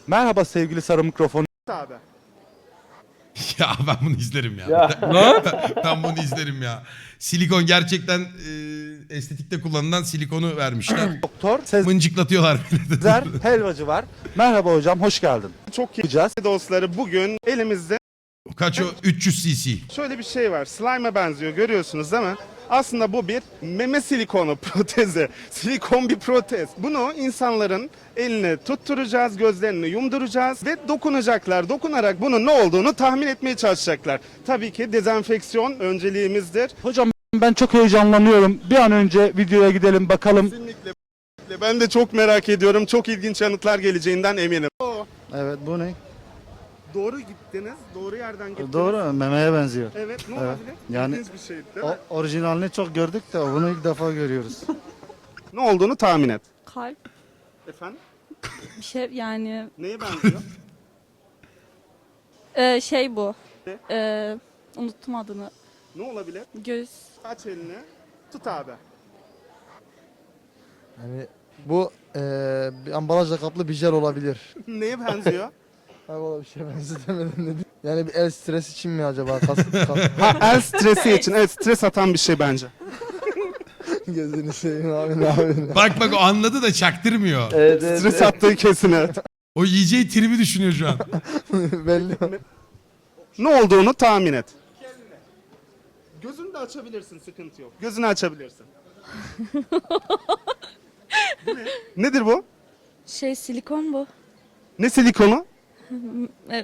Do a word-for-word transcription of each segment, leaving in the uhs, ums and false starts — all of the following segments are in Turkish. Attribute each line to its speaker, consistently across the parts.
Speaker 1: Merhaba sevgili sarı mikrofon.
Speaker 2: Abi.
Speaker 3: Ya ben bunu izlerim ya.
Speaker 4: Ya.
Speaker 3: ben, ben bunu izlerim ya. Silikon gerçekten e, estetikte kullanılan silikonu vermişler.
Speaker 1: Doktor Sezer
Speaker 3: Mıncıklatıyorlar beni.
Speaker 1: Helvacı var. Merhaba hocam, hoş geldin.
Speaker 2: Çok iyi
Speaker 1: Yapacağız.
Speaker 2: dostları, bugün elimizde
Speaker 3: Kaç o? üç yüz cc.
Speaker 2: şöyle bir şey var. Slime'a benziyor, görüyorsunuz değil mi? Aslında bu bir meme silikonu protezi. Silikon bir protez. Bunu insanların eline tutturacağız, gözlerini yumduracağız ve dokunacaklar. Dokunarak bunun ne olduğunu tahmin etmeye çalışacaklar. Tabii ki dezenfeksiyon önceliğimizdir.
Speaker 1: Hocam ben çok heyecanlanıyorum. Bir an önce videoya gidelim bakalım.
Speaker 2: Kesinlikle. Ben de çok merak ediyorum. Çok ilginç yanıtlar geleceğinden eminim.
Speaker 5: Evet, bu ne?
Speaker 2: Doğru gittiniz, doğru yerden gittiniz.
Speaker 5: Doğru, memeye benziyor.
Speaker 2: Evet, ne
Speaker 5: Evet.
Speaker 2: olabilir?
Speaker 5: Yani-
Speaker 2: İlginç bir şey değil mi?
Speaker 5: O, orijinalini çok gördük de bunu ilk defa görüyoruz.
Speaker 2: Ne olduğunu tahmin et.
Speaker 6: Kalp
Speaker 2: Efendim?
Speaker 6: bir şey yani
Speaker 2: Neye benziyor?
Speaker 6: e, şey bu.
Speaker 2: Ne?
Speaker 6: E, unuttum adını.
Speaker 2: Ne olabilir?
Speaker 6: Göz.
Speaker 2: Aç elini. Tut abi.
Speaker 5: Yani bu eee bir ambalajla kaplı bir jel olabilir.
Speaker 2: Neye benziyor?
Speaker 5: Abi o bir şey benzetemedim ne diyeyim. Yani bir el stresi için mi acaba? Kas, kas,
Speaker 2: Ha, el stresi için. Evet, stres atan bir şey bence.
Speaker 5: gözünü seveyim abi ne yapıyorsun?
Speaker 3: Bak bak o anladı da çaktırmıyor.
Speaker 5: Evet, evet,
Speaker 2: Stres attığı kesin evet.
Speaker 3: O yiyeceği tribi düşünüyor şu an.
Speaker 5: belli.
Speaker 2: Ne olduğunu tahmin et. Gözünü de açabilirsin, sıkıntı yok. Gözünü açabilirsin. Bu ne? Nedir bu?
Speaker 6: Şey silikon bu.
Speaker 2: Ne silikonu?
Speaker 6: E,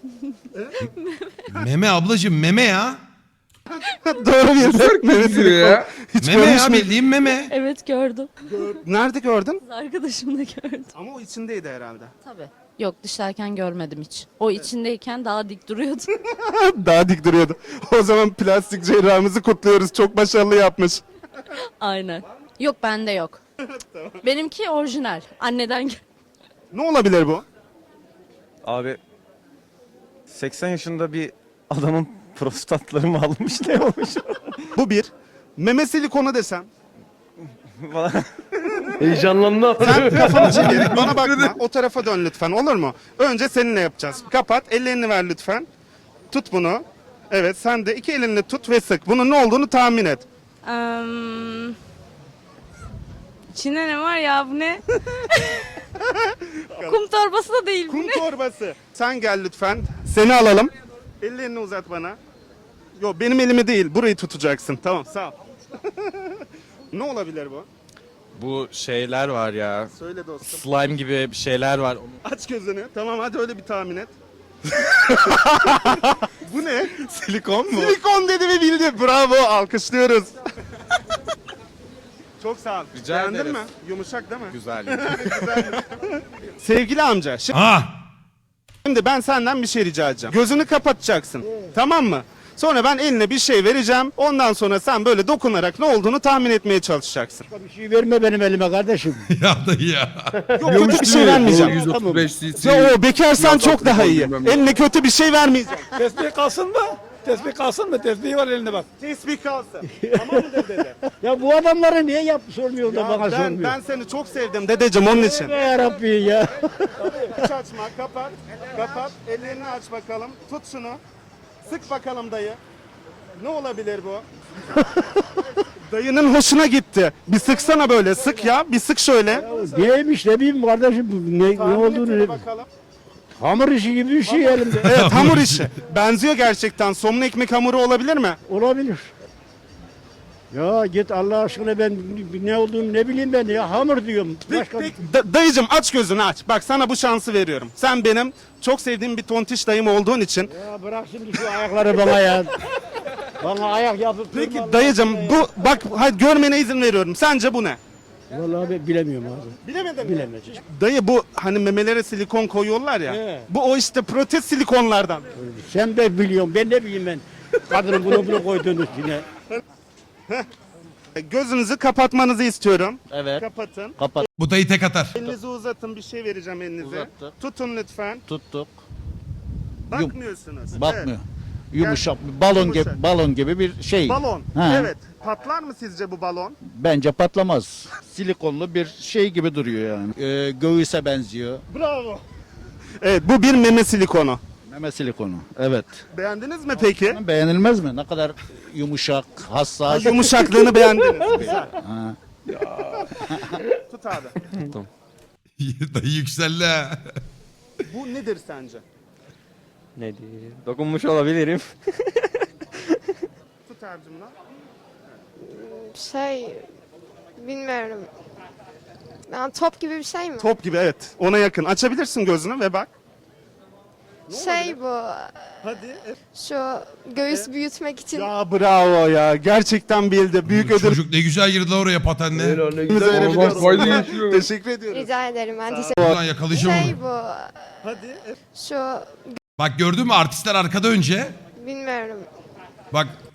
Speaker 3: Meme ablacığım meme ya.
Speaker 2: Doğru bir meme silikonu. Hiç
Speaker 3: Meme
Speaker 2: görmüş
Speaker 3: ya
Speaker 2: müydün?
Speaker 3: bildiğin meme.
Speaker 6: evet gördüm.
Speaker 2: Nerede gördün?
Speaker 6: Kız arkadaşım da gördüm.
Speaker 2: Ama o içindeydi herhalde.
Speaker 7: Tabii. Yok dışarıken görmedim hiç. O içindeyken daha dik duruyordu.
Speaker 2: Daha dik duruyordu. O zaman plastik cerrahımızı kutluyoruz. Çok başarılı yapmış.
Speaker 7: Aynen. Yok bende yok. Benimki orijinal. Anneden gel.
Speaker 2: Ne olabilir bu?
Speaker 4: Abi seksen yaşında bir adamın prostatları mı almış ne olmuş?
Speaker 2: Bu bir. Meme silikonu desem.
Speaker 4: Heyecanlandı.
Speaker 2: Sen kafanı çevir, bana bakma. O tarafa dön lütfen, olur mu? Önce seninle yapacağız. Kapat, ellerini ver lütfen. Tut bunu. Evet, sen de iki elinle tut ve sık. Bunun ne olduğunu tahmin et.
Speaker 6: Um, içinde ne var ya bu ne? Kum torbası da değil bu
Speaker 2: Kum
Speaker 6: ne?
Speaker 2: torbası. Sen gel lütfen. Seni alalım. Ellerini uzat bana. Yok, benim elimi değil. Burayı tutacaksın. Tamam, sağ ol. Ne olabilir bu?
Speaker 8: Bu şeyler var ya.
Speaker 2: Söyle dostum.
Speaker 8: Slime gibi bir şeyler var.
Speaker 2: Aç gözünü. Tamam, hadi öyle bir tahmin et. Bu ne?
Speaker 8: Silikon mu?
Speaker 2: Silikon dedi ve bildi. Bravo, alkışlıyoruz. Çok sağ ol.
Speaker 8: Rica
Speaker 2: Beğendin
Speaker 8: ederiz.
Speaker 2: mi? Yumuşak değil mi?
Speaker 8: Güzel.
Speaker 2: Sevgili amca, şi-
Speaker 3: Ha.
Speaker 2: şimdi ben senden bir şey rica edeceğim. Gözünü kapatacaksın. Tamam mı? Sonra ben eline bir şey vereceğim. Ondan sonra sen böyle dokunarak ne olduğunu tahmin etmeye çalışacaksın.
Speaker 9: Bir şey verme benim elime kardeşim.
Speaker 3: Ya dayı ya.
Speaker 2: Yok, kötü bir şey vermeyeceğim.
Speaker 9: yüz otuz beş
Speaker 2: Ya o bekarsan çok daha iyi. Eline kötü bir şey vermeyeceğim.
Speaker 9: Tesbih kalsın mı? Tesbih kalsın mı? Tesbih var elinde bak.
Speaker 2: Tesbih kalsın. Tamam mı dede?
Speaker 9: Ya bu adamları niye yap sormuyor da
Speaker 2: Ya
Speaker 9: bana
Speaker 2: ben,
Speaker 9: sormuyor.
Speaker 2: ben seni çok sevdim dedeciğim onun için.
Speaker 9: Be yarabbi ya.
Speaker 2: Hiç açma, kapat. Kapat. Ellerini aç bakalım. Tut şunu. Sık bakalım dayı. Ne olabilir bu? Dayının hoşuna gitti. Bir sıksana böyle. Sık ya. Bir sık şöyle.
Speaker 9: Neymiş ne bileyim kardeşim bu ne, ne
Speaker 2: Tahmin
Speaker 9: olduğunu.
Speaker 2: et
Speaker 9: Ne,
Speaker 2: bakalım.
Speaker 9: hamur işi gibi bir şey elimde.
Speaker 2: Evet, hamur işi. Benziyor gerçekten. Somun ekmek hamuru olabilir mi?
Speaker 9: Olabilir. Ya git Allah aşkına ben ne olduğunu ne bileyim ben ya hamur diyorum.
Speaker 2: Peki,
Speaker 9: Başka...
Speaker 2: peki. Da- dayıcım aç gözünü aç. Bak sana bu şansı veriyorum. Sen benim çok sevdiğim bir tontiş dayım olduğun için.
Speaker 9: Ya bırak şimdi şu ayakları bana ya. Bana ayak yapıp
Speaker 2: Peki
Speaker 9: durma
Speaker 2: dayıcım
Speaker 9: Allah
Speaker 2: bu bak hadi görmene izin veriyorum. Sence bu ne?
Speaker 9: ya. Vallahi ben bilemiyorum abi.
Speaker 2: Bilemedin mi?
Speaker 9: Bilemeyeceğim.
Speaker 2: Dayı bu hani memelere silikon koyuyorlar ya.
Speaker 9: He.
Speaker 2: Bu o işte protez silikonlardan.
Speaker 9: Sen de biliyorsun ben ne bileyim ben. Kadının bunu bunu koyduğunu üstüne.
Speaker 2: E, Gözünüzü kapatmanızı istiyorum.
Speaker 5: Evet.
Speaker 2: Kapatın.
Speaker 5: Kapat.
Speaker 3: Bu dayı tek atar.
Speaker 2: Elinizi uzatın, bir şey vereceğim elinize.
Speaker 5: Uzattık.
Speaker 2: Tutun lütfen.
Speaker 5: Tuttuk.
Speaker 2: Bakmıyorsunuz.
Speaker 5: Bakmıyor.
Speaker 2: Evet.
Speaker 5: Yumuşak, balon
Speaker 2: Yumuşak.
Speaker 5: gibi balon gibi bir şey.
Speaker 2: Balon.
Speaker 5: Ha.
Speaker 2: Evet. Patlar mı sizce bu balon?
Speaker 5: Bence patlamaz. Silikonlu bir şey gibi duruyor yani. Ee, göğüse benziyor.
Speaker 2: Bravo. Evet, bu bir meme silikonu.
Speaker 10: Meme silikonu. Evet.
Speaker 2: Beğendiniz mi peki?
Speaker 10: Beğenilmez mi? Ne kadar yumuşak, hassas.
Speaker 2: Yumuşaklığını beğendiniz. Güzel.
Speaker 10: Ha.
Speaker 2: Tut abi.
Speaker 3: Dayı yükseldi ha.
Speaker 2: Bu nedir sence?
Speaker 4: Ne diye? Dokunmuş olabilirim.
Speaker 2: Tut abicim lan.
Speaker 6: Şey bilmiyorum. Yani top gibi bir şey mi?
Speaker 2: Top gibi, evet. Ona yakın. Açabilirsin gözünü ve bak.
Speaker 6: Şey bu.
Speaker 2: Hadi.
Speaker 6: Şu göğüs büyütmek için.
Speaker 2: Ya bravo ya. Gerçekten bildi. Büyük ödül.
Speaker 3: Çocuk ne güzel girdi lan oraya patenle.
Speaker 2: Bize verebiliyoruz. Teşekkür ediyoruz.
Speaker 6: Rica ederim ben teşekkür
Speaker 3: Ulan yakalayacağım
Speaker 6: Şey
Speaker 3: onu.
Speaker 6: bu.
Speaker 2: Hadi.
Speaker 6: Şu
Speaker 3: Bak gördün mü artistler arkada önce.
Speaker 6: bilmiyorum.
Speaker 3: Bak